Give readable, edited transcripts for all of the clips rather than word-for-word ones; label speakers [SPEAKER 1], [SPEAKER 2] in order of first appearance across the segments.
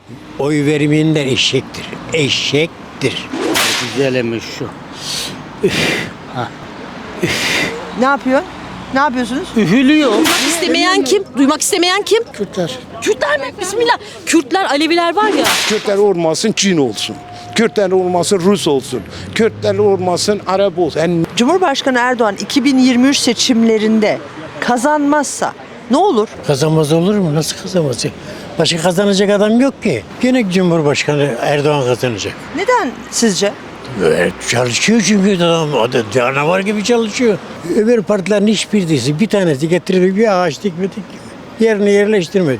[SPEAKER 1] Oy vermeyenler eşektir. Eşektir.
[SPEAKER 2] Güzelmiş şu.
[SPEAKER 3] Ne yapıyor? Ne yapıyorsunuz?
[SPEAKER 2] Üfülüyor.
[SPEAKER 4] İstemeyen kim? Duymak istemeyen kim?
[SPEAKER 5] Kürtler.
[SPEAKER 4] Kürtler mi? Bismillah. Kürtler, Aleviler var ya.
[SPEAKER 5] Kürtler olmasın Çin olsun. Kürtler olmasın Rus olsun. Kürtler olmasın Arap olsun. Yani
[SPEAKER 3] Cumhurbaşkanı Erdoğan 2023 seçimlerinde kazanmazsa ne olur?
[SPEAKER 1] Kazanmaz olur mu? Nasıl kazanmaz? Başka kazanacak adam yok ki. Gene Cumhurbaşkanı Erdoğan kazanacak.
[SPEAKER 3] Neden sizce?
[SPEAKER 1] Evet, çalışıyor çünkü adam canavar gibi çalışıyor. Öbür partilerin hiçbirisi bir tanesi getirip bir ağaç dikmedik. Yerine yerleştirmedi.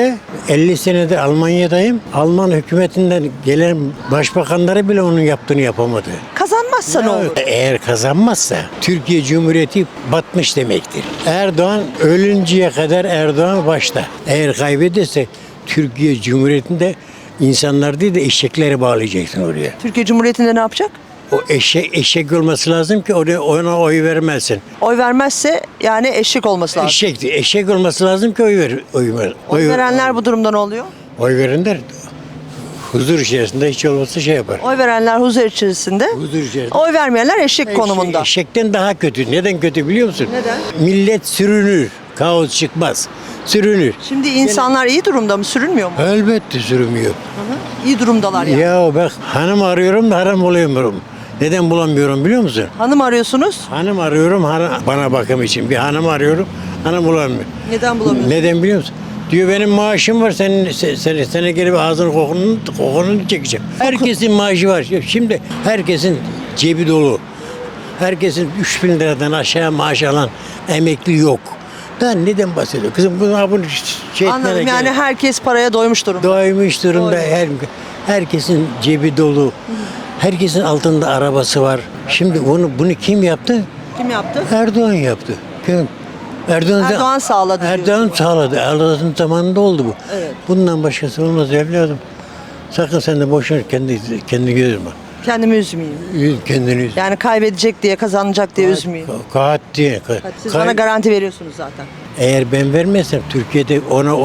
[SPEAKER 1] 50 senedir Almanya'dayım. Alman hükümetinden gelen başbakanları bile onun yaptığını yapamadı.
[SPEAKER 3] Kazanmazsa ne olur?
[SPEAKER 1] Eğer kazanmazsa Türkiye Cumhuriyeti batmış demektir. Erdoğan ölünceye kadar Erdoğan başta. Eğer kaybederse Türkiye Cumhuriyeti'nde insanlar değil de eşekleri bağlayacaksın oraya.
[SPEAKER 3] Türkiye Cumhuriyeti'nde ne yapacak?
[SPEAKER 1] O eşek olması lazım ki ona oy vermezsin.
[SPEAKER 3] Oy vermezse yani eşek olması lazım.
[SPEAKER 1] Eşek olması lazım ki
[SPEAKER 3] Oy verenler bu durumda ne oluyor?
[SPEAKER 1] Oy verenler huzur içerisinde hiç olmazsa şey yapar.
[SPEAKER 3] Oy verenler huzur içerisinde.
[SPEAKER 1] Huzur içerisinde.
[SPEAKER 3] Oy vermeyenler eşek konumunda.
[SPEAKER 1] Eşekten daha kötü. Neden kötü biliyor musun?
[SPEAKER 3] Neden?
[SPEAKER 1] Millet sürünür. Kaos çıkmaz. Sürünür.
[SPEAKER 3] Şimdi insanlar iyi durumda mı? Sürünmüyor mu?
[SPEAKER 1] Elbette sürünmüyor.
[SPEAKER 3] İyi durumdalar yani.
[SPEAKER 1] Ya bak hanım arıyorum da haram bulamıyorum. Neden bulamıyorum biliyor musun?
[SPEAKER 3] Hanım arıyorsunuz.
[SPEAKER 1] Hanım arıyorum bana bakım için. Bir hanım arıyorum. Hanım bulamıyorum.
[SPEAKER 3] Neden bulamıyorsunuz?
[SPEAKER 1] Neden biliyor musun? Diyor benim maaşım var sana gelip ağzının kokununu çekeceğim. Herkesin maaşı var. Şimdi herkesin cebi dolu. Herkesin 3.000 liradan aşağı maaş alan emekli yok. Daha neden bahsediyor? Kızım bunu şey etmene
[SPEAKER 3] Anladım yani
[SPEAKER 1] gerek-
[SPEAKER 3] herkes paraya doymuş durumda.
[SPEAKER 1] Doymuş durumda. Herkesin cebi dolu. Herkesin altında arabası var. Şimdi bunu kim yaptı?
[SPEAKER 3] Kim yaptı?
[SPEAKER 1] Erdoğan yaptı. Kim?
[SPEAKER 3] Erdoğan sağladı
[SPEAKER 1] Erdoğan
[SPEAKER 3] diyorsun.
[SPEAKER 1] sağladı. Erdoğan'ın zamanında oldu bu.
[SPEAKER 3] Evet.
[SPEAKER 1] Bundan başkası olmaz evladım. Sakın sen de boşuna kendini üzme.
[SPEAKER 3] Kendimi üzmeyeyim.
[SPEAKER 1] Kendini üzme.
[SPEAKER 3] Yani kaybedecek diye kazanacak diye üzmeyeyim.
[SPEAKER 1] Kahat diye.
[SPEAKER 3] Siz bana garanti veriyorsunuz zaten.
[SPEAKER 1] Eğer ben vermezsem Türkiye'de ona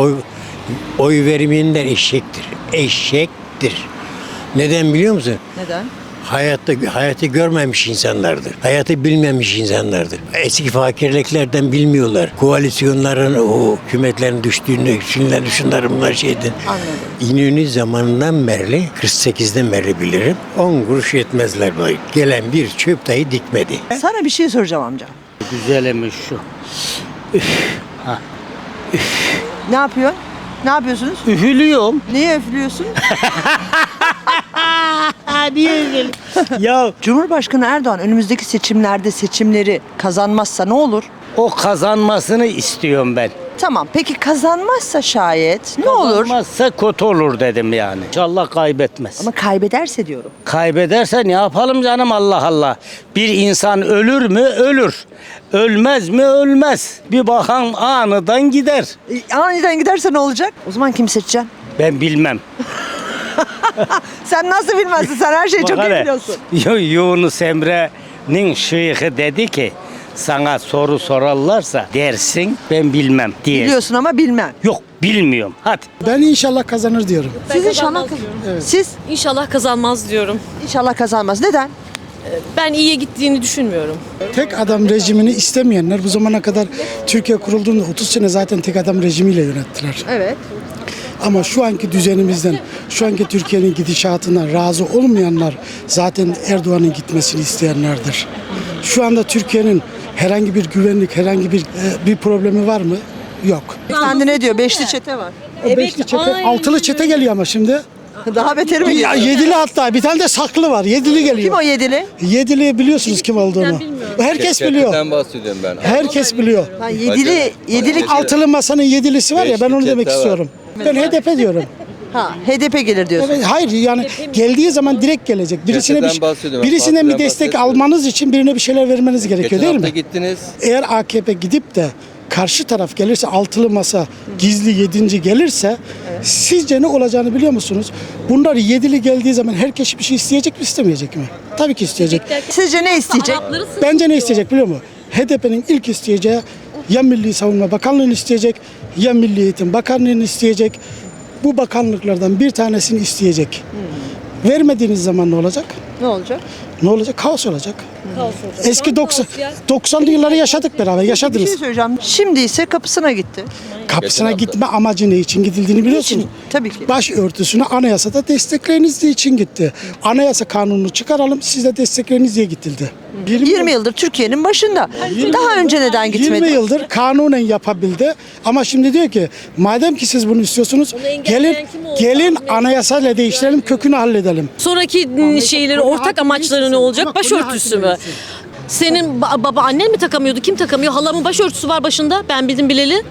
[SPEAKER 1] oy vermeyenler eşektir. Eşektir. Neden biliyor musun?
[SPEAKER 3] Neden?
[SPEAKER 1] Hayatı görmemiş insanlardır. Hayatı bilmemiş insanlardır. Eski fakirliklerden bilmiyorlar. Koalisyonların, o hükümetlerin düştüğünü, şunlar bunlar şeyden.
[SPEAKER 3] Anladım.
[SPEAKER 1] İnönü zamanından beri, 48'den beri bilirim. 10 kuruş yetmezler bana. Gelen bir çöp dahi dikmedi.
[SPEAKER 3] Sana bir şey soracağım amca.
[SPEAKER 2] Güzelmiş şu.
[SPEAKER 3] Ne yapıyor? Ne yapıyorsunuz?
[SPEAKER 2] Üfülüyorum.
[SPEAKER 3] Niye üflüyorsun?
[SPEAKER 2] Niye öyle? Ya
[SPEAKER 3] Cumhurbaşkanı Erdoğan önümüzdeki seçimleri kazanmazsa ne olur?
[SPEAKER 2] o kazanmasını istiyorum ben.
[SPEAKER 3] Tamam. Peki kazanmazsa şayet ne olur?
[SPEAKER 2] Kazanmazsa kötü olur dedim yani. İnşallah kaybetmez.
[SPEAKER 3] Ama kaybederse diyorum.
[SPEAKER 2] Kaybederse ne yapalım canım Allah Allah. Bir insan ölür mü? Ölür. Ölmez mi? Ölmez. Bir bakan aniden gider.
[SPEAKER 3] Aniden giderse ne olacak? O zaman kim seçeceksin?
[SPEAKER 2] Ben bilmem.
[SPEAKER 3] Sen nasıl bilmezsin? Sen her şeyi çok iyi biliyorsun.
[SPEAKER 2] Yunus Emre'nin şeyhi dedi ki sana soru sorarlarsa dersin ben bilmem diye.
[SPEAKER 3] Biliyorsun ama bilmem.
[SPEAKER 2] Yok bilmiyorum. Hadi.
[SPEAKER 6] Ben inşallah kazanır diyorum.
[SPEAKER 3] Siz inşallah Siz
[SPEAKER 4] İnşallah kazanmaz diyorum.
[SPEAKER 3] inşallah kazanmaz. Neden?
[SPEAKER 4] Ben iyiye gittiğini düşünmüyorum.
[SPEAKER 6] Tek adam rejimini istemeyenler bu zamana kadar Türkiye kurulduğunda 30 sene zaten tek adam rejimiyle yönettiler.
[SPEAKER 3] Evet.
[SPEAKER 6] Ama şu anki düzenimizden, şu anki Türkiye'nin gidişatından razı olmayanlar zaten Erdoğan'ın gitmesini isteyenlerdir. Şu anda Türkiye'nin herhangi bir güvenlik, herhangi bir problemi var mı? Yok.
[SPEAKER 3] Efendi ne diyor? Beşli çete var.
[SPEAKER 6] O beşli çete, altılı çete geliyor ama şimdi.
[SPEAKER 3] Daha beteri mi?
[SPEAKER 6] Ya, yedili hatta bir tane de saklı var. Yedili geliyor.
[SPEAKER 3] Kim o yedili?
[SPEAKER 6] Yedili biliyorsunuz kim olduğunu. Herkes biliyor.
[SPEAKER 7] Chatten bahsediyorum ben.
[SPEAKER 6] Herkes biliyor.
[SPEAKER 3] Ha, yedili
[SPEAKER 6] Altılı masanın yedilisi var ya ben onu
[SPEAKER 7] Beşli
[SPEAKER 6] demek
[SPEAKER 7] çete var.
[SPEAKER 6] istiyorum. Ben HDP diyorum.
[SPEAKER 3] Ha, HDP gelir diyorsun.
[SPEAKER 6] Evet, hayır yani geldiği zaman direkt gelecek.
[SPEAKER 7] Çeteden bahsediyorum.
[SPEAKER 6] Birisinden bir
[SPEAKER 7] Partiden
[SPEAKER 6] destek
[SPEAKER 7] bahsetmiyorum.
[SPEAKER 6] almanız için birine bir şeyler vermeniz gerekiyor
[SPEAKER 7] Geçen
[SPEAKER 6] değil
[SPEAKER 7] hafta
[SPEAKER 6] mi?
[SPEAKER 7] gittiniz.
[SPEAKER 6] Eğer AKP gidip de karşı taraf gelirse altılı masa gizli yedinci gelirse sizce ne olacağını biliyor musunuz? Bunlar yedili geldiği zaman herkes bir şey isteyecek mi istemeyecek mi? Tabii ki isteyecek.
[SPEAKER 3] Sizce ne isteyecek?
[SPEAKER 6] Bence ne isteyecek biliyor musun? HDP'nin ilk isteyeceği ya Milli Savunma Bakanlığı'nı isteyecek ya Milli Eğitim Bakanlığı'nı isteyecek. bu bakanlıklardan bir tanesini isteyecek. Vermediğiniz zaman ne olacak?
[SPEAKER 3] Ne olacak?
[SPEAKER 6] Ne olacak? Kaos olacak.
[SPEAKER 4] Kaos olacak.
[SPEAKER 6] Eski
[SPEAKER 4] Kaos
[SPEAKER 6] 90'lı yılları yaşadık beraber,
[SPEAKER 3] Bir
[SPEAKER 6] yaşadınız.
[SPEAKER 3] şey söyleyeceğim. Şimdi ise kapısına gitti.
[SPEAKER 6] Kapısına gitme amacı ne için gidildiğini biliyorsunuz.
[SPEAKER 3] Tabii ki.
[SPEAKER 6] Başörtüsünü anayasada destekleriniz için gitti. Anayasa kanununu çıkaralım, siz de destekleriniz diye gidildi.
[SPEAKER 3] 20 yıldır Türkiye'nin başında. Daha önce neden gitmedi?
[SPEAKER 6] 20 yıldır kanunen yapabildi ama şimdi diyor ki madem ki siz bunu istiyorsunuz
[SPEAKER 4] engelleyen kim oldu?
[SPEAKER 6] gelin anayasayla değiştirelim, kökünü halledelim.
[SPEAKER 4] Sonraki şeyleri, ortak amaçları ne olacak? Başörtüsü mü? Senin baba annen mi takamıyordu? Kim takamıyor? Halamın başörtüsü var başında. Ben bildim bileli.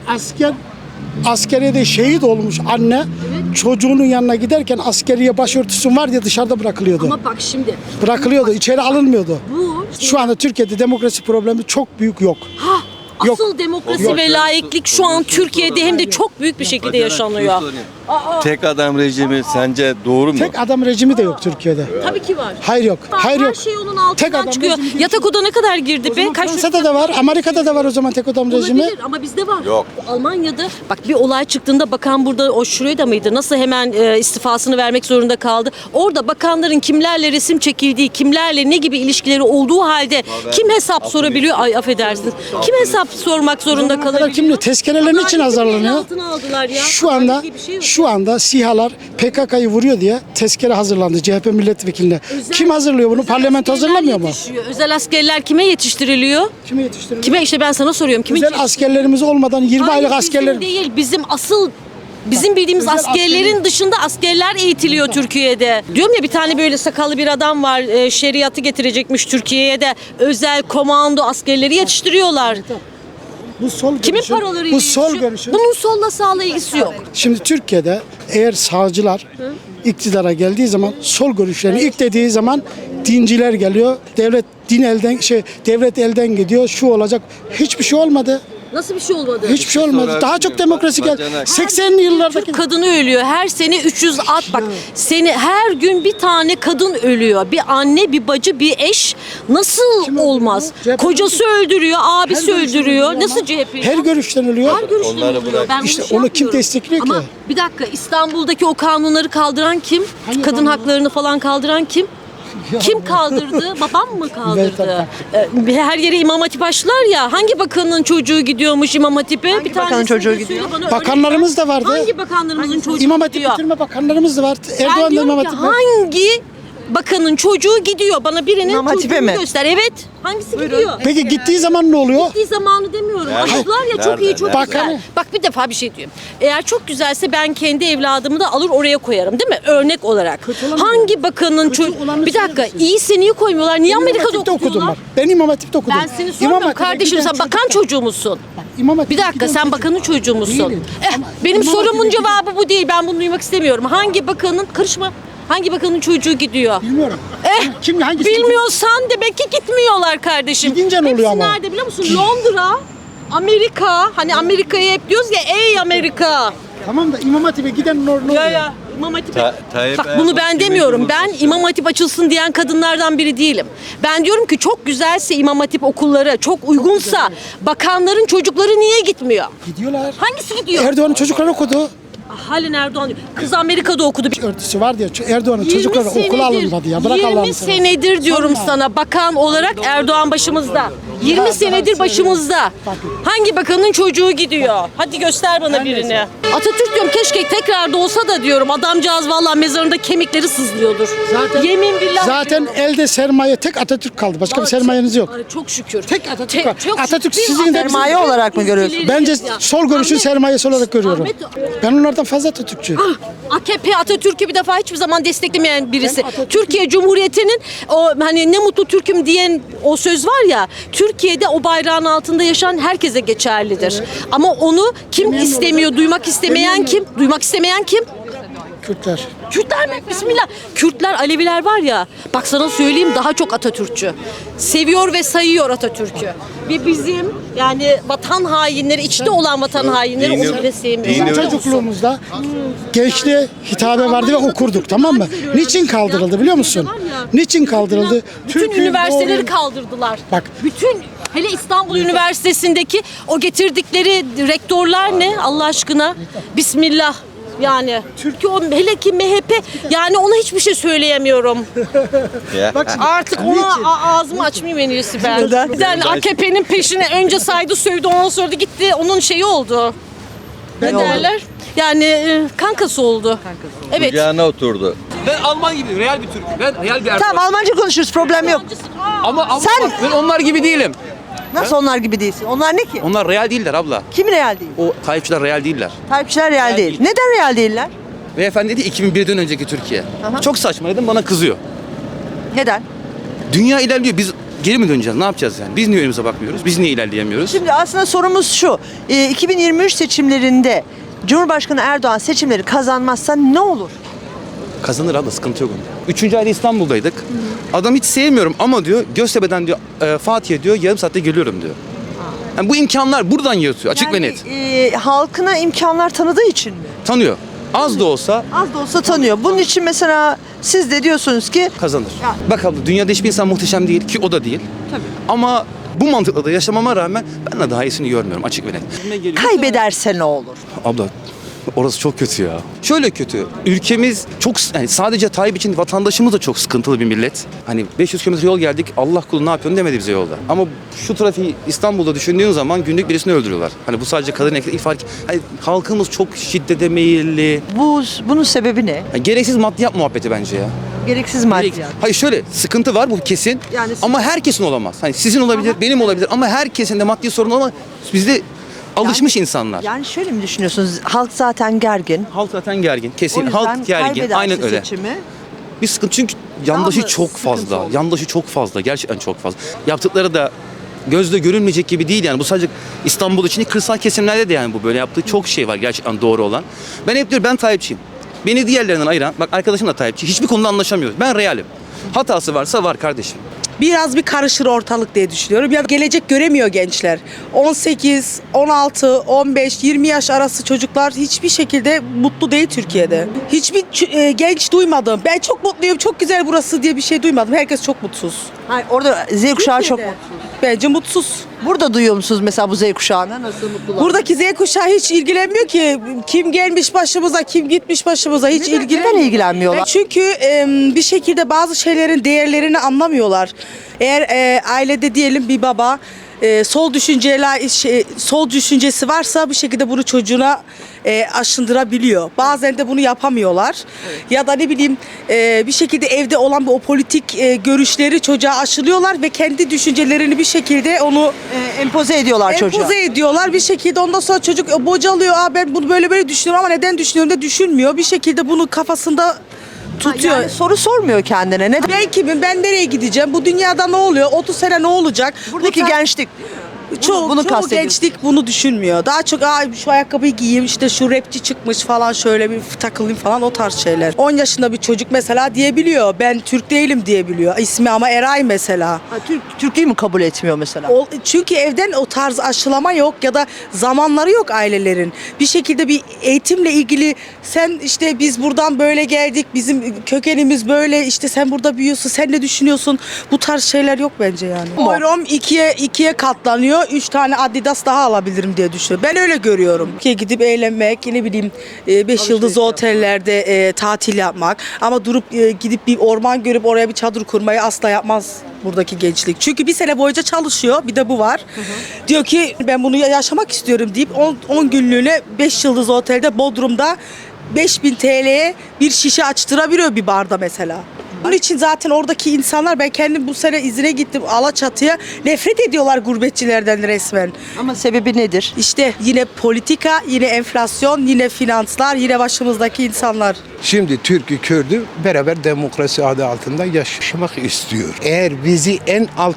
[SPEAKER 6] Askeriyede şehit olmuş anne çocuğunun yanına giderken askeriye başörtüsü var diye dışarıda bırakılıyordu.
[SPEAKER 4] Ama bak şimdi.
[SPEAKER 6] Bırakılıyordu, içeri alınmıyordu.
[SPEAKER 4] Bu
[SPEAKER 6] Şu anda Türkiye'de demokrasi problemi çok büyük yok. Yok.
[SPEAKER 4] asıl demokrasi ve laiklik şu an Türkiye'de hem de çok büyük bir şekilde yaşanıyor.
[SPEAKER 7] Tek adam rejimi sence doğru mu?
[SPEAKER 6] Tek adam rejimi de yok Türkiye'de.
[SPEAKER 4] Tabii ki var.
[SPEAKER 6] Hayır yok. Hayır
[SPEAKER 4] Her
[SPEAKER 6] yok.
[SPEAKER 4] şey onun
[SPEAKER 6] Tek
[SPEAKER 4] altından
[SPEAKER 6] adam
[SPEAKER 4] çıkıyor.
[SPEAKER 6] rejimi değil.
[SPEAKER 4] Yatak oda ne kadar girdi be? Kaç
[SPEAKER 6] Fransa'da da var, Amerika'da da var o zaman tek adam rejimi.
[SPEAKER 4] olabilir ama bizde var.
[SPEAKER 7] Yok.
[SPEAKER 4] Almanya'da bak bir olay çıktığında bakan burada o şurada mıydı? Nasıl hemen istifasını vermek zorunda kaldı? Orada bakanların kimlerle resim çekildiği, kimlerle ne gibi ilişkileri olduğu halde kim hesap sorabiliyor? Ay affedersiniz. Kim hesap sormak zorunda
[SPEAKER 6] Zamana kadar
[SPEAKER 4] kalabiliyor?
[SPEAKER 6] kimle tezkerelerin için
[SPEAKER 4] Adaleti
[SPEAKER 6] hazırlanıyor.
[SPEAKER 4] altına aldılar ya.
[SPEAKER 6] Şu anda
[SPEAKER 4] Adalet diye bir şey yok.
[SPEAKER 6] şu anda SİHA'lar PKK'yı vuruyor diye tezkere hazırlandı CHP milletvekiline. Kim hazırlıyor bunu?
[SPEAKER 4] Özel
[SPEAKER 6] Parlamento
[SPEAKER 4] askerler
[SPEAKER 6] hazırlamıyor mu?
[SPEAKER 4] yetişiyor. Özel askerler kime yetiştiriliyor?
[SPEAKER 6] Kimi yetiştiriyor?
[SPEAKER 4] Kime işte ben sana soruyorum. Kime
[SPEAKER 6] Özel askerlerimiz olmadan 20
[SPEAKER 4] Hayır,
[SPEAKER 6] aylık askerler.
[SPEAKER 4] bizim değil. Bizim bildiğimiz
[SPEAKER 6] Özel
[SPEAKER 4] askerlerin
[SPEAKER 6] askerler-
[SPEAKER 4] dışında askerler eğitiliyor Türkiye'de. Diyorum ya bir tane böyle sakallı bir adam var. Şeriatı getirecekmiş Türkiye'ye de. Özel komando askerleri yetiştiriyorlar.
[SPEAKER 6] Bu sol
[SPEAKER 4] Kimin
[SPEAKER 6] görüşün-
[SPEAKER 4] paralarıyla
[SPEAKER 6] Bu sol
[SPEAKER 4] yetişiyor?
[SPEAKER 6] görüşün.
[SPEAKER 4] Bunun solla sağla ilgisi yok.
[SPEAKER 6] Şimdi Türkiye'de eğer sağcılar iktidara geldiği zaman sol görüşlerini ilk dediği zaman dinciler geliyor. Devlet elden gidiyor. Şu olacak. Hiçbir şey olmadı.
[SPEAKER 4] Nasıl bir şey olmadı?
[SPEAKER 6] Hiçbir şey olmadı.
[SPEAKER 7] sorarsın
[SPEAKER 6] Daha çok
[SPEAKER 7] ya,
[SPEAKER 6] demokrasi geldi.
[SPEAKER 7] bacanak.
[SPEAKER 6] 80'li yıllardaki
[SPEAKER 4] Türk kadını ölüyor. Her sene 300 bak seni her gün bir tane kadın ölüyor. Bir anne, bir bacı, bir eş nasıl
[SPEAKER 6] Kim
[SPEAKER 4] olmaz?
[SPEAKER 6] öldürüyor? CHP
[SPEAKER 4] Kocası öldürüyor, abisi
[SPEAKER 6] görüşten
[SPEAKER 4] öldürüyor.
[SPEAKER 6] ölüyor
[SPEAKER 4] Nasıl
[SPEAKER 6] ama
[SPEAKER 4] CHP?
[SPEAKER 6] her görüşten ölüyor.
[SPEAKER 4] Her görüşten
[SPEAKER 7] Onları
[SPEAKER 4] oluyor.
[SPEAKER 7] bırak.
[SPEAKER 4] Ben bunu
[SPEAKER 6] İşte
[SPEAKER 4] şey
[SPEAKER 6] onu kim
[SPEAKER 4] yapmıyorum.
[SPEAKER 6] destekliyor
[SPEAKER 4] Ama
[SPEAKER 6] ki?
[SPEAKER 4] bir dakika İstanbul'daki o kanunları kaldıran kim?
[SPEAKER 6] Hangi
[SPEAKER 4] Kadın
[SPEAKER 6] kanun?
[SPEAKER 4] haklarını falan kaldıran kim? Kim kaldırdı? Babam mı kaldırdı? Her yere İmam Hatip açtılar ya. Hangi bakanın çocuğu gidiyormuş İmam Hatip'e?
[SPEAKER 3] Hangi bakanın çocuğu gidiyor?
[SPEAKER 6] Bakanlarımız da vardı.
[SPEAKER 4] Hangi bakanlarımızın çocuğu
[SPEAKER 6] İmam Hatip
[SPEAKER 4] gidiyor?
[SPEAKER 6] bitirme bakanlarımız da var.
[SPEAKER 4] Ben
[SPEAKER 6] Erdoğan da
[SPEAKER 4] diyorum
[SPEAKER 6] İmam
[SPEAKER 4] ki
[SPEAKER 6] Hatip var.
[SPEAKER 4] hangi bakanın çocuğu gidiyor? Bana birinin
[SPEAKER 3] İmam Hatip'e
[SPEAKER 4] çocuğunu
[SPEAKER 3] mi?
[SPEAKER 4] göster. Evet. Hangisi gidiyor?
[SPEAKER 6] Peki gittiği zaman ne oluyor?
[SPEAKER 4] Gittiği zamanı demiyorum.
[SPEAKER 7] Nerede?
[SPEAKER 4] Açtılar ya çok
[SPEAKER 7] Nerede?
[SPEAKER 4] iyi, çok
[SPEAKER 7] Nerede?
[SPEAKER 4] güzel. Bak bir defa bir şey diyorum. Eğer çok güzelse ben kendi evladımı da alır oraya koyarım değil mi? Örnek olarak. Hangi bakanın çocuğu...
[SPEAKER 6] olanı
[SPEAKER 4] Bir dakika
[SPEAKER 6] söylemesin.
[SPEAKER 4] iyisi niye koymuyorlar? Niye
[SPEAKER 6] İmam
[SPEAKER 4] Amerika'da
[SPEAKER 6] Hatip'te okudum
[SPEAKER 4] okutuyorlar?
[SPEAKER 6] var. Ben İmam Hatip'te okudum.
[SPEAKER 4] Ben seni
[SPEAKER 6] İmam
[SPEAKER 4] sormuyorum
[SPEAKER 6] Hatip'e
[SPEAKER 4] kardeşim
[SPEAKER 6] giden
[SPEAKER 4] sen bakan
[SPEAKER 6] çocuklar-
[SPEAKER 4] çocuğu musun?
[SPEAKER 6] İmam Hatip'e
[SPEAKER 4] Bir dakika
[SPEAKER 6] giden
[SPEAKER 4] sen
[SPEAKER 6] çocuk-
[SPEAKER 4] bakanın çocuğu musun?
[SPEAKER 6] Değilim. Ama
[SPEAKER 4] Benim
[SPEAKER 6] İmam
[SPEAKER 4] sorumun
[SPEAKER 6] Hatip'e
[SPEAKER 4] cevabı bu değil. Ben bunu duymak istemiyorum. Hangi bakanın karışma? Hangi bakanın çocuğu gidiyor?
[SPEAKER 6] Bilmiyorum. Kim hangisi?
[SPEAKER 4] Bilmiyorsan demek ki gitmiyorlar kardeşim.
[SPEAKER 6] Gidince ne oluyor
[SPEAKER 4] Hepsi
[SPEAKER 6] ama?
[SPEAKER 4] nerede biliyor musun? Londra, Amerika. Hani Amerika'ya hep diyoruz ya ey Amerika.
[SPEAKER 6] Tamam da İmam Hatip'e giden ne oluyor?
[SPEAKER 4] Ya İmam Hatip'e.
[SPEAKER 7] Tayyip
[SPEAKER 4] Bak
[SPEAKER 7] Erdoğan
[SPEAKER 4] bunu ben
[SPEAKER 7] kimin
[SPEAKER 4] demiyorum. Ben
[SPEAKER 7] cumhurbaşkanı?
[SPEAKER 4] İmam Hatip açılsın diyen kadınlardan biri değilim. Ben diyorum ki çok güzelse İmam Hatip okulları çok uygunsa bakanların çocukları niye gitmiyor?
[SPEAKER 6] Gidiyorlar.
[SPEAKER 4] Hangisi gidiyor?
[SPEAKER 6] Erdoğan'ın çocukları okudu.
[SPEAKER 4] Halen Erdoğan diyor. Kız Amerika'da okudu.
[SPEAKER 6] Örtüsü var diye Erdoğan'ın
[SPEAKER 4] 20
[SPEAKER 6] çocukları okula
[SPEAKER 4] senedir,
[SPEAKER 6] alınmadı ya. Bırak
[SPEAKER 4] 20
[SPEAKER 6] Allah'ını seversen.
[SPEAKER 4] senedir diyorum
[SPEAKER 6] Sorma.
[SPEAKER 4] sana bakan olarak Erdoğan başımızda. 20 senedir başımızda. Hangi bakanın çocuğu gidiyor? Hadi göster bana birini. Atatürk diyorum keşke tekrar doğsa da diyorum. Adamcağız vallahi mezarında kemikleri sızlıyordur. Yemin billah.
[SPEAKER 6] Zaten elde sermaye tek Atatürk kaldı. Başka bir sermayeniz yok.
[SPEAKER 4] Ay, çok şükür.
[SPEAKER 6] Tek Atatürk var.
[SPEAKER 4] çok
[SPEAKER 6] Atatürk
[SPEAKER 4] şükür.
[SPEAKER 6] sizin de
[SPEAKER 3] sermaye olarak mı görüyorsun?
[SPEAKER 6] Bence
[SPEAKER 4] Ya.
[SPEAKER 6] sol görüşün
[SPEAKER 4] Ahmet-
[SPEAKER 6] sermayesi olarak görüyorum.
[SPEAKER 4] Ahmet-
[SPEAKER 6] Ben onlardan fazla Atatürkçü.
[SPEAKER 4] AKP Atatürk'ü bir defa hiçbir zaman desteklemeyen birisi.
[SPEAKER 6] Ben Atatürk'ü-
[SPEAKER 4] Türkiye Cumhuriyeti'nin o hani ne mutlu Türk'üm diyen o söz var ya Türkiye'de o bayrağın altında yaşayan herkese geçerlidir. Ama onu kim istemiyor, duymak istemeyen kim? Duymak istemeyen kim?
[SPEAKER 6] Kürtler.
[SPEAKER 4] Kürtler mi? Bismillah. Kürtler, Aleviler var ya, bak sana söyleyeyim daha çok Atatürkçü. Seviyor ve sayıyor Atatürk'ü. Ve bizim yani vatan hainleri, içte olan vatan hainleri
[SPEAKER 7] dini-
[SPEAKER 4] onu bile sevmiyor.
[SPEAKER 7] dini-
[SPEAKER 4] Biliyor musun?
[SPEAKER 6] Çocukluğumuzda gençliğe hitabe vardı ve okurduk, tamam mı? Niçin kaldırıldı biliyor musun? Niçin kaldırıldı?
[SPEAKER 4] Bütün
[SPEAKER 6] Türk'ün
[SPEAKER 4] üniversiteleri
[SPEAKER 6] doğru-
[SPEAKER 4] kaldırdılar.
[SPEAKER 6] Bak.
[SPEAKER 4] Bütün hele İstanbul Üniversitesi'ndeki o getirdikleri rektörler ne Allah aşkına? Bismillah. Yani Türkiye o hele ki MHP yani ona hiçbir şey söyleyemiyorum. Artık ona ağzımı açmayayım en iyisi ben.
[SPEAKER 3] Neden?
[SPEAKER 4] Yani AKP'nin peşine önce saydı sövdü ondan sonra da gitti onun şeyi oldu. Ne
[SPEAKER 3] oldu?
[SPEAKER 4] derler? Yani kankası oldu. Evet.
[SPEAKER 7] Kucağına oturdu.
[SPEAKER 8] Ben Alman gibi real bir Türk. Ben real bir Erdoğan.
[SPEAKER 3] Tamam Almanca konuşuruz, problem yok.
[SPEAKER 8] Ama
[SPEAKER 3] Sen-
[SPEAKER 8] ben onlar gibi değilim.
[SPEAKER 3] Nasıl onlar gibi değilsin? Onlar ne ki?
[SPEAKER 8] Onlar real değiller abla.
[SPEAKER 3] Kim real değil?
[SPEAKER 8] O Tayyipçiler real değiller.
[SPEAKER 3] Tayyipçiler real değil. Neden real değiller?
[SPEAKER 8] Beyefendi dedi 2001'den önceki Türkiye. Çok saçma dedim, bana kızıyor.
[SPEAKER 3] Neden?
[SPEAKER 8] Dünya ilerliyor, biz geri mi döneceğiz? Ne yapacağız yani? Biz niye önümüze bakmıyoruz? Biz niye ilerleyemiyoruz?
[SPEAKER 3] Şimdi aslında sorumuz şu. 2023 seçimlerinde Cumhurbaşkanı Erdoğan seçimleri kazanmazsa ne olur?
[SPEAKER 8] Kazanır abla, sıkıntı yok onda. 3. ayda İstanbul'daydık. Adam hiç sevmiyorum ama diyor Göztepe'den diyor Fatih'e diyor yarım saatte geliyorum diyor. Yani bu imkanlar buradan yatıyor açık ve net.
[SPEAKER 3] Halkına imkanlar tanıdığı için mi?
[SPEAKER 8] Tanıyor. Az da olsa
[SPEAKER 3] Az da olsa tanıyor. Bunun için mesela siz de diyorsunuz ki
[SPEAKER 8] kazanır.
[SPEAKER 3] Ya.
[SPEAKER 8] Bak abla, dünyada hiçbir insan muhteşem değil ki, o da değil.
[SPEAKER 3] Tabii.
[SPEAKER 8] Ama bu mantıkla da yaşamama rağmen ben de daha iyisini görmüyorum açık ve net.
[SPEAKER 3] kaybederse ne olur?
[SPEAKER 8] Abla orası çok kötü ya. Şöyle kötü. Ülkemiz çok, yani sadece Tayyip için vatandaşımız da çok sıkıntılı bir millet. Hani 500 kilometre yol geldik, Allah kulu ne yapıyorsun demedi bize yolda. Ama şu trafiği İstanbul'da düşündüğün zaman günlük birisini öldürüyorlar. Hani bu sadece kadın erkek fark. Hani halkımız çok şiddete meyilli.
[SPEAKER 3] Bunun sebebi ne?
[SPEAKER 8] Yani gereksiz maddiyat muhabbeti bence ya.
[SPEAKER 3] Gereksiz maddiyat.
[SPEAKER 8] Hayır şöyle, sıkıntı var bu kesin.
[SPEAKER 3] Yani
[SPEAKER 8] ama herkesin olamaz. Hani sizin olabilir, benim olabilir ama herkesin de maddi sorun olmaz. Bizde alışmış insanlar.
[SPEAKER 3] Yani şöyle mi düşünüyorsunuz? Halk zaten gergin.
[SPEAKER 8] Halk zaten gergin.
[SPEAKER 3] O
[SPEAKER 8] Kesin
[SPEAKER 3] yüzden
[SPEAKER 8] halk gergin.
[SPEAKER 3] kaybederse
[SPEAKER 8] Aynen öyle.
[SPEAKER 3] seçimi.
[SPEAKER 8] Bir sıkıntı çünkü yandaşı
[SPEAKER 3] mı
[SPEAKER 8] çok
[SPEAKER 3] sıkıntı
[SPEAKER 8] fazla.
[SPEAKER 3] olur?
[SPEAKER 8] Yandaşı çok fazla. Gerçekten çok fazla. Yaptıkları da gözle görülmeyecek gibi değil yani. Bu sadece İstanbul için değil, kırsal kesimlerde de yani bu böyle yaptığı çok şey var gerçekten doğru olan. Ben hep diyorum ben Tayyipçiyim. Beni diğerlerinden ayıran, bak arkadaşım da Tayyipçi. Hiçbir konuda anlaşamıyoruz. Ben realim. Hatası varsa var kardeşim.
[SPEAKER 9] Biraz bir karışır ortalık diye düşünüyorum. Ya gelecek göremiyor gençler. 18, 16, 15, 20 yaş arası çocuklar hiçbir şekilde mutlu değil Türkiye'de. Hiçbir genç duymadım. Ben çok mutluyum, çok güzel burası diye bir şey duymadım. Herkes çok mutsuz.
[SPEAKER 3] Hayır, orada Z kuşağı çok
[SPEAKER 9] Türkiye'de.
[SPEAKER 3] mutsuz.
[SPEAKER 9] Bence mutsuz.
[SPEAKER 3] Burada duyuyor musunuz mesela bu Z kuşağına? Nasıl mutlular?
[SPEAKER 9] Buradaki Z kuşağı hiç ilgilenmiyor ki. Kim gelmiş başımıza, kim gitmiş başımıza hiç ilgilenmiyor.
[SPEAKER 3] Neden ilgilenmiyorlar?
[SPEAKER 9] Çünkü bir şekilde bazı şeylerin değerlerini anlamıyorlar. Eğer ailede diyelim bir baba sol düşüncesi varsa bir şekilde bunu çocuğuna aşındırabiliyor. Bazen de bunu yapamıyorlar. Ya da ne bileyim bir şekilde evde olan o politik görüşleri çocuğa aşılıyorlar ve kendi düşüncelerini bir şekilde onu
[SPEAKER 3] Empoze ediyorlar çocuğa.
[SPEAKER 9] empoze ediyorlar. Bir şekilde ondan sonra çocuk bocalıyor. Ben bunu böyle düşünüyorum ama neden düşünüyorum da düşünmüyor. Bir şekilde bunu kafasında tutuyor.
[SPEAKER 3] Yani soru sormuyor kendine. Neden?
[SPEAKER 9] Ben kimim? Ben nereye gideceğim? Bu dünyada ne oluyor? 30 sene ne olacak?
[SPEAKER 3] Buradaki
[SPEAKER 9] Bu tar-
[SPEAKER 3] gençlik.
[SPEAKER 9] Çoğu
[SPEAKER 3] kastediyorsun.
[SPEAKER 9] gençlik bunu düşünmüyor. Daha çok şu ayakkabıyı giyeyim, işte şu rapçi çıkmış falan, şöyle bir takılayım falan, o tarz şeyler. 10 yaşında bir çocuk mesela diyebiliyor. Ben Türk değilim diyebiliyor. İsmi ama Eray mesela.
[SPEAKER 3] Ha, Türklüğü mü kabul etmiyor mesela?
[SPEAKER 9] Çünkü evden o tarz aşılama yok ya da zamanları yok ailelerin. Bir şekilde bir eğitimle ilgili sen işte biz buradan böyle geldik, bizim kökenimiz böyle, işte sen burada büyüyorsun, sen ne düşünüyorsun? Bu tarz şeyler yok bence yani. Oyrum ikiye katlanıyor. 3 tane Adidas daha alabilirim diye düşünüyorum. Ben öyle görüyorum. Ki gidip eğlenmek, ne bileyim 5 yıldızlı otellerde tatil yapmak ama durup gidip bir orman görüp oraya bir çadır kurmayı asla yapmaz buradaki gençlik. Çünkü bir sene boyunca çalışıyor. Bir de bu var. Diyor ki ben bunu yaşamak istiyorum deyip 10 günlüğüne 5 yıldızlı otelde Bodrum'da 5000 TL'ye bir şişe açtırabiliyor bir barda mesela. Bunun için zaten oradaki insanlar, ben kendim bu sene izine gittim Alaçatı'ya, nefret ediyorlar gurbetçilerden resmen.
[SPEAKER 3] Ama sebebi nedir?
[SPEAKER 9] İşte yine politika, yine enflasyon, yine finanslar, yine başımızdaki insanlar.
[SPEAKER 5] Şimdi Türk'ü Kürd'ü beraber demokrasi adı altında yaşamak istiyor. Eğer bizi en alt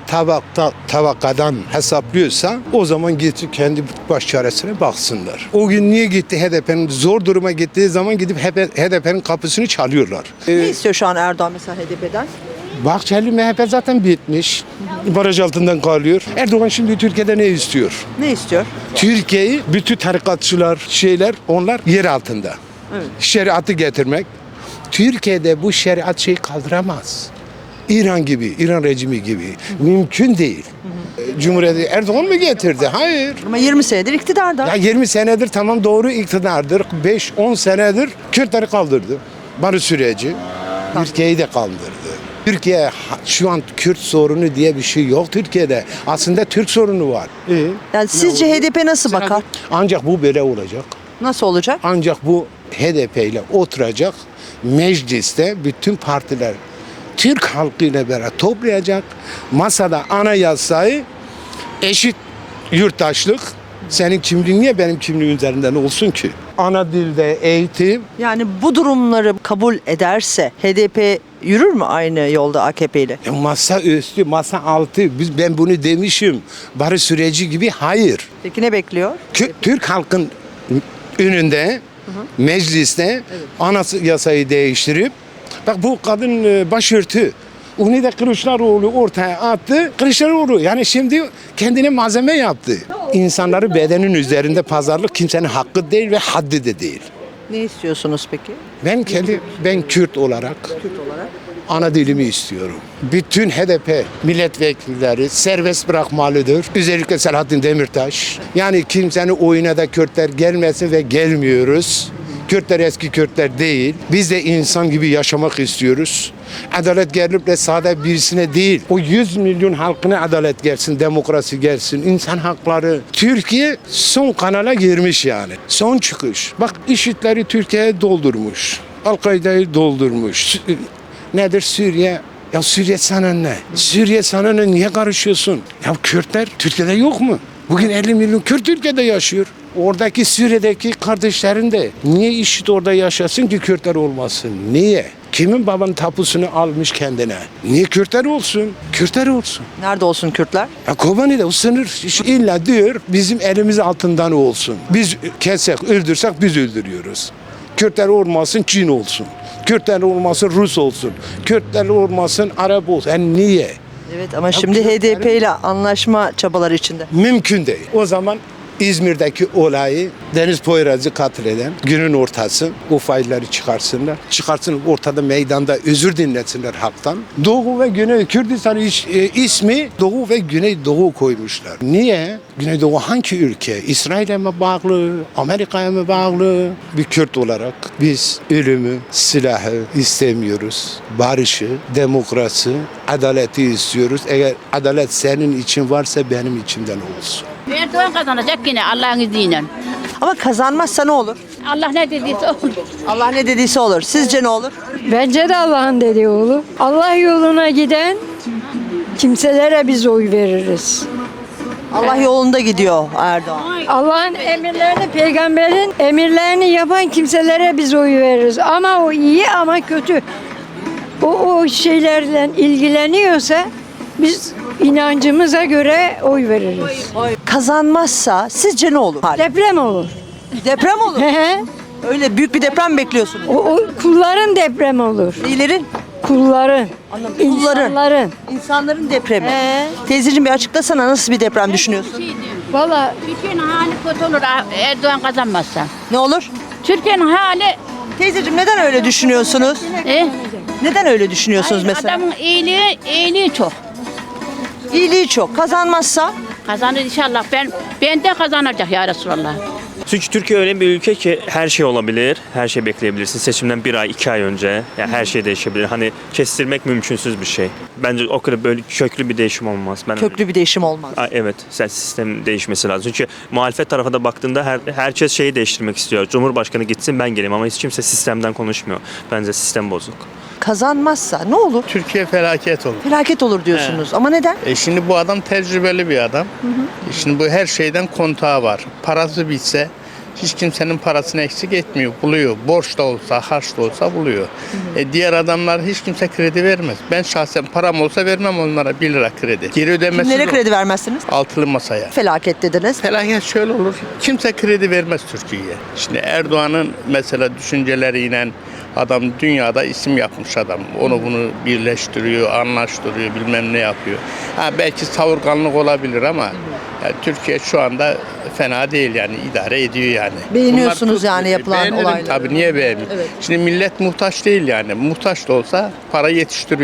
[SPEAKER 5] tabakadan hesaplıyorsa o zaman gitsin kendi baş çaresine baksınlar. O gün niye gitti HDP'nin zor duruma gittiği zaman gidip HDP'nin kapısını çalıyorlar.
[SPEAKER 3] Ne istiyor şu an Erdoğan mesela HDP'den?
[SPEAKER 5] Bahçeli MHP zaten bitmiş. Baraj altından kalıyor. Erdoğan şimdi Türkiye'de ne istiyor?
[SPEAKER 3] Ne istiyor?
[SPEAKER 5] Türkiye'yi bütün tarikatçılar, onlar yer altında.
[SPEAKER 3] Evet.
[SPEAKER 5] Şeriatı getirmek. Türkiye'de bu şeriat şeyi kaldıramaz. İran gibi, İran rejimi gibi. Mümkün değil. Cumhuriyeti Erdoğan mı getirdi? Hayır.
[SPEAKER 3] Ama 20 senedir iktidarda.
[SPEAKER 5] Ya 20 senedir tamam doğru iktidardır. 5-10 senedir Kürtleri kaldırdı. Barış süreci. Türkiye'yi de kaldırdı. Türkiye şu an Kürt sorunu diye bir şey yok Türkiye'de. Aslında Türk sorunu var.
[SPEAKER 3] Yani sizce HDP nasıl bakar?
[SPEAKER 5] Ancak bu böyle olacak.
[SPEAKER 3] Nasıl olacak?
[SPEAKER 5] Ancak bu HDP ile oturacak. Mecliste bütün partiler Türk halkıyla beraber toplayacak. Masada anayasayı eşit yurttaşlık. Senin kimliğin niye benim kimliğim üzerinden olsun ki? Ana dilde eğitim.
[SPEAKER 3] Yani bu durumları kabul ederse HDP yürür mü aynı yolda AKP ile?
[SPEAKER 5] Masa üstü, masa altı. Ben bunu demişim. Barış süreci gibi hayır.
[SPEAKER 3] Peki ne bekliyor?
[SPEAKER 5] Türk halkın önünde, mecliste anayasayı değiştirip, bak bu kadın başörtü. Onu da Kılıçdaroğlu ortaya attı. Kılıçdaroğlu yani şimdi kendine malzeme yaptı. İnsanları bedenin üzerinde pazarlık kimsenin hakkı değil ve haddi de değil.
[SPEAKER 3] Ne istiyorsunuz peki?
[SPEAKER 5] Ben Kürt olarak ana dilimi istiyorum. Bütün HDP milletvekilleri serbest bırakmalıdır. Özellikle Selahattin Demirtaş. Yani kimsenin oyuna da Kürtler gelmesin ve gelmiyoruz. Kürtler eski Kürtler değil. Biz de insan gibi yaşamak istiyoruz. Adalet gelip de sade birisine değil. O 100 milyon halkına adalet gelsin, demokrasi gelsin, insan hakları. Türkiye son kanala girmiş yani. Son çıkış. Bak IŞİD'leri Türkiye'ye doldurmuş. Al-Kaide'yi doldurmuş. Nedir Suriye? Ya Suriye sana ne? Suriye sana ne? Niye karışıyorsun? Ya Kürtler Türkiye'de yok mu? Bugün 50 milyon Kürt Türkiye'de yaşıyor. Oradaki Suriye'deki kardeşlerin de niye IŞİD orada yaşasın ki Kürtler olmasın? Niye? Kimin babanın tapusunu almış kendine? Niye Kürtler olsun? Kürtler olsun.
[SPEAKER 3] Nerede olsun Kürtler?
[SPEAKER 5] Ya Kobani'de o sınır illa diyor bizim elimiz altından olsun. Biz kessek, öldürsek biz öldürüyoruz. Kürtler olmasın Çin olsun. Kürtler olmasın Rus olsun. Kürtler olmasın Arap olsun. Yani niye?
[SPEAKER 3] Evet ama şimdi HDP ile anlaşma çabaları içinde.
[SPEAKER 5] Mümkün değil. O zaman İzmir'deki olayı Deniz Poyraz'ı katleden günün ortası o failleri çıkarsınlar. Çıkarsın ortada meydanda özür dinletsinler halktan. Doğu ve Güney Kürdistan ismi Doğu ve Güneydoğu koymuşlar. Niye? Güneydoğu hangi ülke? İsrail'e mi bağlı? Amerika'ya mı bağlı? Bir Kürt olarak biz ölümü, silahı istemiyoruz. Barışı, demokrasi, adaleti istiyoruz. Eğer adalet senin için varsa benim içimden olsun.
[SPEAKER 10] Erdoğan kazanacak yine Allah'ın izniyle.
[SPEAKER 3] Ama kazanmazsa ne olur?
[SPEAKER 10] Allah ne dediyse olur.
[SPEAKER 3] Allah ne dediyse olur. Sizce ne olur?
[SPEAKER 11] Bence de Allah'ın dediği olur. Allah yoluna giden kimselere biz oy veririz.
[SPEAKER 3] Allah yolunda gidiyor Erdoğan.
[SPEAKER 11] Allah'ın emirlerini, peygamberin emirlerini yapan kimselere biz oy veririz. Ama o iyi ama kötü. O şeylerle ilgileniyorsa biz inancımıza göre oy veririz.
[SPEAKER 3] Kazanmazsa sizce ne olur?
[SPEAKER 11] Deprem olur.
[SPEAKER 3] Deprem olur.
[SPEAKER 11] Hı hı.
[SPEAKER 3] Öyle büyük bir deprem bekliyorsunuz.
[SPEAKER 11] O kulların depremi olur.
[SPEAKER 3] Neylerin?
[SPEAKER 11] Kulların.
[SPEAKER 3] Kulların.
[SPEAKER 11] İnsanların.
[SPEAKER 3] İnsanların depremi.
[SPEAKER 11] He.
[SPEAKER 3] Teyzeciğim bir açıklasana nasıl bir deprem düşünüyorsun?
[SPEAKER 11] Valla
[SPEAKER 10] Türkiye'nin hali kötü olur Erdoğan kazanmazsa.
[SPEAKER 3] Ne olur?
[SPEAKER 10] Türkiye'nin hali
[SPEAKER 3] Teyzeciğim neden öyle düşünüyorsunuz? Neden öyle düşünüyorsunuz mesela?
[SPEAKER 10] adamın iyiliği çok.
[SPEAKER 3] İyiliği çok. Kazanmazsa?
[SPEAKER 10] Kazanır inşallah. Ben de kazanacak ya Resulallah.
[SPEAKER 12] Çünkü Türkiye öyle bir ülke ki her şey olabilir, her şey bekleyebilirsin. Seçimden 1 ay, 2 ay önce yani her şey değişebilir. Hani kestirmek mümkünsüz bir şey. Bence o kadar böyle köklü bir değişim olmaz.
[SPEAKER 3] Köklü bir değişim olmaz.
[SPEAKER 12] Evet, sistem değişmesi lazım. Çünkü muhalefet tarafa da baktığında herkes şeyi değiştirmek istiyor. Cumhurbaşkanı gitsin ben geleyim ama hiç kimse sistemden konuşmuyor. Bence sistem bozuk.
[SPEAKER 3] Kazanmazsa ne olur?
[SPEAKER 13] Türkiye felaket olur.
[SPEAKER 3] Felaket olur diyorsunuz. Ama neden?
[SPEAKER 13] Şimdi bu adam tecrübeli bir adam. Şimdi bu her şeyden kontağı var. Parası bitse hiç kimsenin parasını eksik etmiyor. Buluyor. Borç da olsa, harç da olsa buluyor. Diğer adamlar hiç kimse kredi vermez. Ben şahsen param olsa vermem onlara 1 lira kredi. Geri ödemesi
[SPEAKER 3] Kimlere
[SPEAKER 13] zor.
[SPEAKER 3] kredi vermezsiniz?
[SPEAKER 13] Altılı masaya.
[SPEAKER 3] Felaket dediniz.
[SPEAKER 13] Felaket şöyle olur. Kimse kredi vermez Türkiye'ye. Şimdi Erdoğan'ın mesela düşünceleriyle adam dünyada isim yapmış adam. Onu bunu birleştiriyor, anlaştırıyor, bilmem ne yapıyor. Belki savurganlık olabilir ama yani Türkiye şu anda fena değil yani idare ediyor yani.
[SPEAKER 3] Beğeniyorsunuz yani yapılan olayları.
[SPEAKER 13] Tabii niye beğenmiyorum?
[SPEAKER 3] Evet.
[SPEAKER 13] Şimdi millet muhtaç değil yani. Muhtaç da olsa para yetiştiriyor.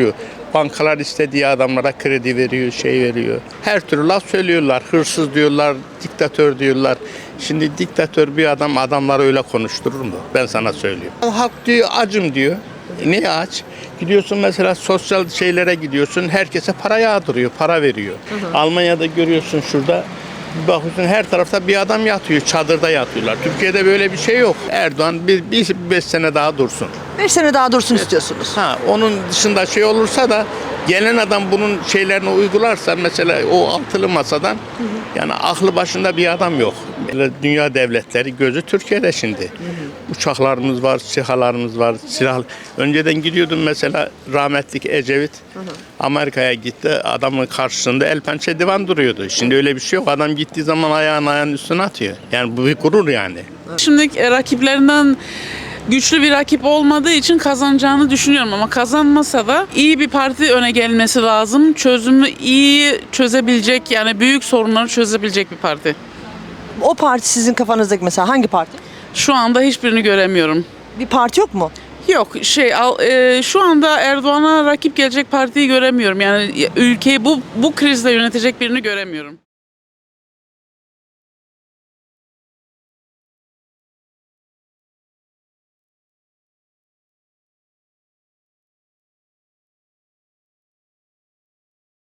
[SPEAKER 13] Bankalar istediği adamlara kredi veriyor, şey veriyor. Her türlü laf söylüyorlar. Hırsız diyorlar, diktatör diyorlar. Şimdi diktatör bir adam adamları öyle konuşturur mu? Ben sana söylüyorum. Halk diyor acım diyor. Niye aç? Gidiyorsun mesela sosyal şeylere gidiyorsun. Herkese para yağdırıyor, para veriyor. Almanya'da görüyorsun şurada. Bir bakıyorsun her tarafta bir adam yatıyor, çadırda yatıyorlar. Türkiye'de böyle bir şey yok. Erdoğan bir 5 sene daha dursun.
[SPEAKER 3] 5 sene daha dursun istiyorsunuz.
[SPEAKER 13] Onun dışında şey olursa da gelen adam bunun şeylerini uygularsa mesela o altılı masadan yani aklı başında bir adam yok. Dünya devletleri gözü Türkiye'de şimdi. Uçaklarımız var, SİHA'larımız var. Önceden gidiyordum mesela rahmetlik Ecevit Amerika'ya gitti. Adamın karşısında el pençe divan duruyordu. Şimdi öyle bir şey yok. Adam gittiği zaman ayağının üstüne atıyor. Yani bu bir gurur yani.
[SPEAKER 14] Şimdi rakiplerinden güçlü bir rakip olmadığı için kazanacağını düşünüyorum ama kazanmasa da iyi bir parti öne gelmesi lazım. Çözümü iyi çözebilecek yani büyük sorunları çözebilecek bir parti.
[SPEAKER 3] O parti sizin kafanızdaki mesela hangi parti?
[SPEAKER 14] Şu anda hiçbirini göremiyorum.
[SPEAKER 3] Bir parti yok mu?
[SPEAKER 14] Yok şu anda Erdoğan'a rakip gelecek partiyi göremiyorum. Yani ülkeyi bu krizle yönetecek birini göremiyorum.